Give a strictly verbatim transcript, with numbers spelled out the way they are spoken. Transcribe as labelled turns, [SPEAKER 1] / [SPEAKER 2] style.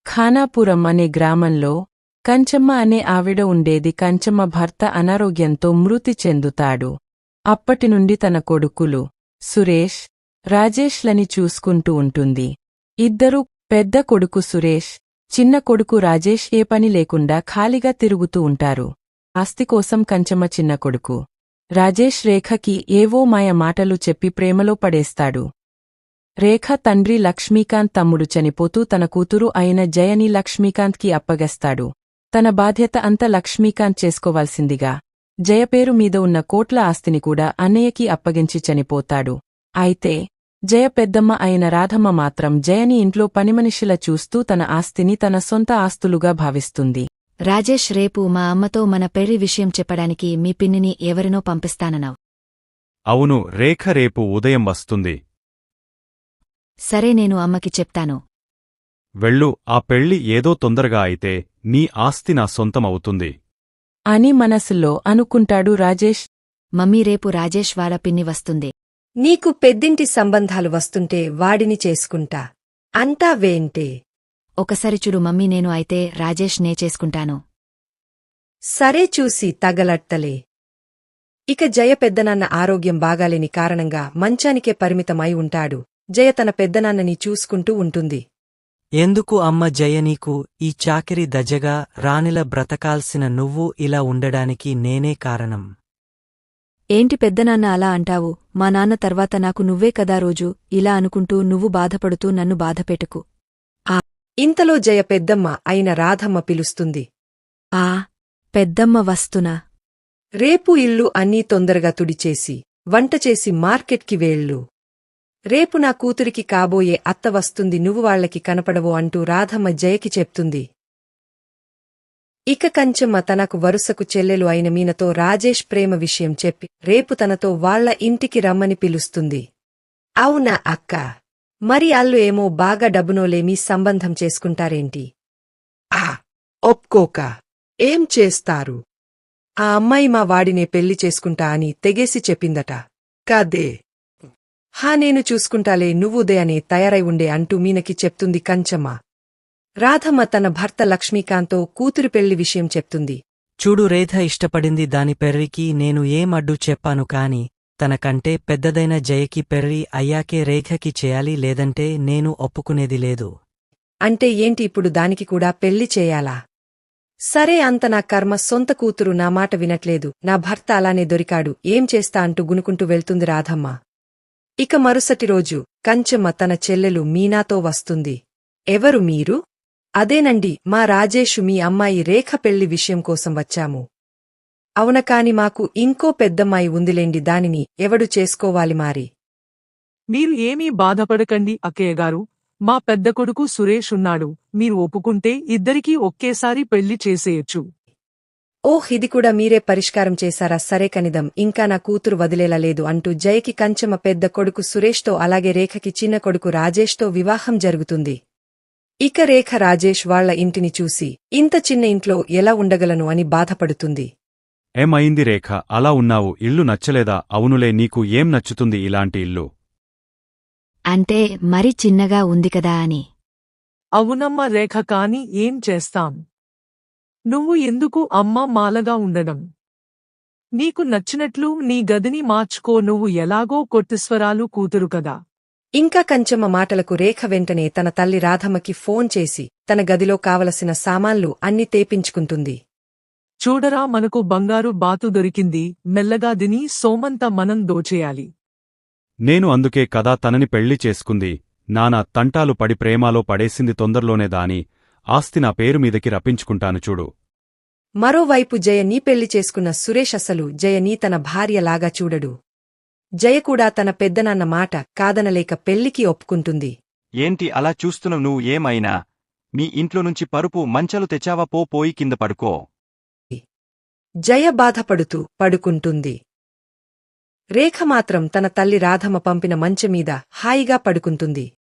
[SPEAKER 1] ఖానాపురం అనే గ్రామంలో కంచమ్మ అనే ఆవిడ ఉండేది. కంచమ్మ భర్త అనారోగ్యంతో మృతి చెందుతాడు. అప్పటినుండి తన కొడుకులు సురేష్, రాజేష్లని చూసుకుంటూ ఉంటుంది. ఇద్దరూ, పెద్ద కొడుకు సురేష్, చిన్న కొడుకు రాజేష్ ఏ పని లేకుండా ఖాళీగా తిరుగుతూ ఉంటారు. ఆస్తి కోసం కంచమ్మ చిన్న కొడుకు రాజేష్ రేఖకి ఏవో మాయ మాటలు చెప్పి ప్రేమలో పడేస్తాడు. రేఖ తండ్రి లక్ష్మీకాంత్ తమ్ముడు చనిపోతూ తన కూతురు అయిన జయని లక్ష్మీకాంత్కి అప్పగస్తాడు. తన బాధ్యత అంతా లక్ష్మీకాంత్ చేసుకోవాల్సిందిగా జయ పేరు మీద ఉన్న కోట్ల ఆస్తిని కూడా అన్నయ్యకి అప్పగించి చనిపోతాడు. అయితే జయ పెద్దమ్మ అయిన రాధమ్మ మాత్రం జయని ఇంట్లో పనిమనిషిలా చూస్తూ తన ఆస్తిని తన సొంత ఆస్తులుగా భావిస్తుంది.
[SPEAKER 2] రాజేష్, రేపు మా అమ్మతో మన పెళ్లి విషయం చెప్పడానికి మీ పిన్నిని ఎవరినో పంపిస్తానన్నావ్.
[SPEAKER 3] అవును రేఖ, రేపు ఉదయం వస్తుంది.
[SPEAKER 2] సరే, నేను అమ్మకి చెప్తాను.
[SPEAKER 3] వెళ్ళు, ఆ పెళ్లి ఏదో తొందరగా అయితే నీ ఆస్తి నా సొంతం అవుతుంది
[SPEAKER 1] అని మనసులో అనుకుంటాడు రాజేష్.
[SPEAKER 2] మమ్మీ, రేపు రాజేష్ వాళ్ళ పిన్ని వస్తుంది.
[SPEAKER 4] నీకు పెద్దింటి సంబంధాలు వస్తుంటే వాడిని చేసుకుంటా అంతా వేంటే.
[SPEAKER 2] ఒకసారి చూడు మమ్మీ, నేను అయితే రాజేష్ నే చేసుకుంటాను.
[SPEAKER 4] సరే, చూసి తగలట్టలే. ఇక జయ పెద్దనాన్న ఆరోగ్యం బాగాలేని కారణంగా మంచానికే పరిమితమై ఉంటాడు. జయ తన పెద్దనాన్నని చూసుకుంటూ ఉంటుంది.
[SPEAKER 5] ఎందుకు అమ్మ జయ, నీకు ఈ చాకిరి దజగా రాణిల బ్రతకాల్సిన నువ్వు ఇలా ఉండడానికి నేనే కారణం.
[SPEAKER 2] ఏంటి పెద్దనాన్న అలా అంటావు? మా నాన్న తర్వాత నాకు నువ్వే కదా రోజు ఇలా అనుకుంటూ నువ్వు బాధపడుతూ నన్ను బాధపెట్టుకు.
[SPEAKER 4] ఇంతలో జయ పెద్దమ్మ అయిన రాధమ్మ పిలుస్తుంది.
[SPEAKER 2] ఆ పెద్దమ్మ వస్తునా?
[SPEAKER 4] రేపు ఇల్లు అన్నీ తొందరగా తుడిచేసి వంటచేసి మార్కెట్కి వేళ్ళు. రేపు నా కూతురికి కాబోయే అత్త వస్తుంది, నువ్వు వాళ్లకి కనపడవు అంటూ రాధమ్మ జయకి చెప్తుంది. ఇక కంచమ్మ తనకు వరుసకు చెల్లెలు అయిన మీనతో రాజేష్ ప్రేమ విషయం చెప్పి రేపు తనతో వాళ్ల ఇంటికి రమ్మని పిలుస్తుంది. అవునా అక్క, మరి అల్లు ఏమో బాగా డబ్బునోలేమీ సంబంధం చేసుకుంటారేంటి? ఆ ఒప్పుకోక ఏం చేస్తారు? ఆ అమ్మాయి మా వాడినే పెళ్లి చేసుకుంటా అని తెగేసి చెప్పిందట. కాదే. హా, నేను చూసుకుంటాలే, నువ్వు ఉదయానే తయారై ఉండే అంటూ మీనకి చెప్తుంది కంచమ్మ. రాధమ్మ తన భర్త లక్ష్మీకాంత్తో కూతురి పెళ్లి విషయం చెప్తుంది.
[SPEAKER 5] చూడు, రేఖ ఇష్టపడింది, దాని పెర్రికి నేను ఏం అడ్డు చెప్పాను కాని తనకంటే పెద్దదైన జయకి పెర్రి అయ్యాకే రేఖకి చేయాలి, లేదంటే నేను ఒప్పుకునేది లేదు.
[SPEAKER 4] అంటే ఏంటి, ఇప్పుడు దానికి కూడా పెళ్లి చేయాలా? సరే, అంత నా కర్మ, సొంత కూతురు నా మాట వినట్లేదు, నా భర్త అలానే దొరికాడు, ఏం చేస్తా అంటూ గునుకుంటూ వెళ్తుంది రాధమ్మ. ఇక మరుసటి రోజు కంచమ్మ తన చెల్లెలు మీనాతో వస్తుంది. ఎవరు మీరు? అదేనండి, మా రాజేషు మీ అమ్మాయి రేఖ పెళ్లి విషయం కోసం వచ్చాము. అవునకాని మాకు ఇంకో పెద్దమ్మాయి ఉందిలేండి, దానిని ఎవడు చేసుకోవాలి మారి?
[SPEAKER 6] మీరు ఏమీ బాధపడకండి అక్కయ్యగారు, మా పెద్ద కొడుకు సురేష్ ఉన్నాడు, మీరు ఒప్పుకుంటే ఇద్దరికీ ఒకేసారి పెళ్లి చేసేయచ్చు.
[SPEAKER 4] ఓహ్, ఇది కూడా మీరే పరిష్కారం చేశారా? సరే కనిదం, ఇంకా నా కూతురు వదిలేలా లేదు అంటూ జయకి కంచమ్మ పెద్ద కొడుకు సురేష్తో అలాగే రేఖకి చిన్న కొడుకు రాజేష్తో వివాహం జరుగుతుంది. ఇక రేఖ రాజేష్ వాళ్ల ఇంటిని చూసి ఇంత చిన్న ఇంట్లో ఎలా ఉండగలను అని బాధపడుతుంది.
[SPEAKER 3] ఏమైంది రేఖ, అలా ఉన్నావు? ఇల్లు నచ్చలేదా? అవునులే, నీకు ఏం నచ్చుతుంది ఇలాంటి ఇల్లు?
[SPEAKER 2] అంటే మరి చిన్నగా ఉంది కదా అని.
[SPEAKER 6] అవునమ్మ రేఖ, కాని ఏం చేస్తాం? నువ్వు ఎందుకు అమ్మ మాలగా ఉండడం? నీకు నచ్చినట్లు నీ గదిని మార్చుకో, నువ్వు ఎలాగో కోటీశ్వరాలు కూతురు కదా.
[SPEAKER 4] ఇంకా కంచమ్మ మాటలకు రేఖ వెంటనే తన తల్లి రాధమ్మకి ఫోన్ చేసి తన గదిలో కావలసిన సామాన్లు అన్ని తేపించుకుంటుంది.
[SPEAKER 6] చూడరా, మనకు బంగారు బాతు దొరికింది, మెల్లగా దిని సోమంత మనం దోచేయాలి.
[SPEAKER 3] నేను అందుకే కదా తనని పెళ్లి చేసుకుంది. నానా తంటాలు పడి ప్రేమాలో పడేసింది, తొందరలోనే దాని ఆస్తి నా పేరు మీదకి రప్పించుకుంటాను చూడు.
[SPEAKER 4] మరోవైపు జయ నీ పెళ్లి చేసుకున్న సురేష్ అసలు జయని తన భార్యలాగా చూడడు. జయ కూడా తన పెద్దనాన్న మాట కాదనలేక పెళ్లికి ఒప్పుకుంటుంది.
[SPEAKER 7] ఏంటి అలా చూస్తున్నావు? నువ్వు ఏమైనా మీ ఇంట్లో నుంచి పరుపు మంచాలు తెచ్చావా? పో, పోయి కింద పడుకో.
[SPEAKER 4] జయ బాధపడుతూ పడుకుంటుంది. రేఖ మాత్రం తన తల్లి రాధమ్మ పంపిన మంచమీద హాయిగా పడుకుంటుంది.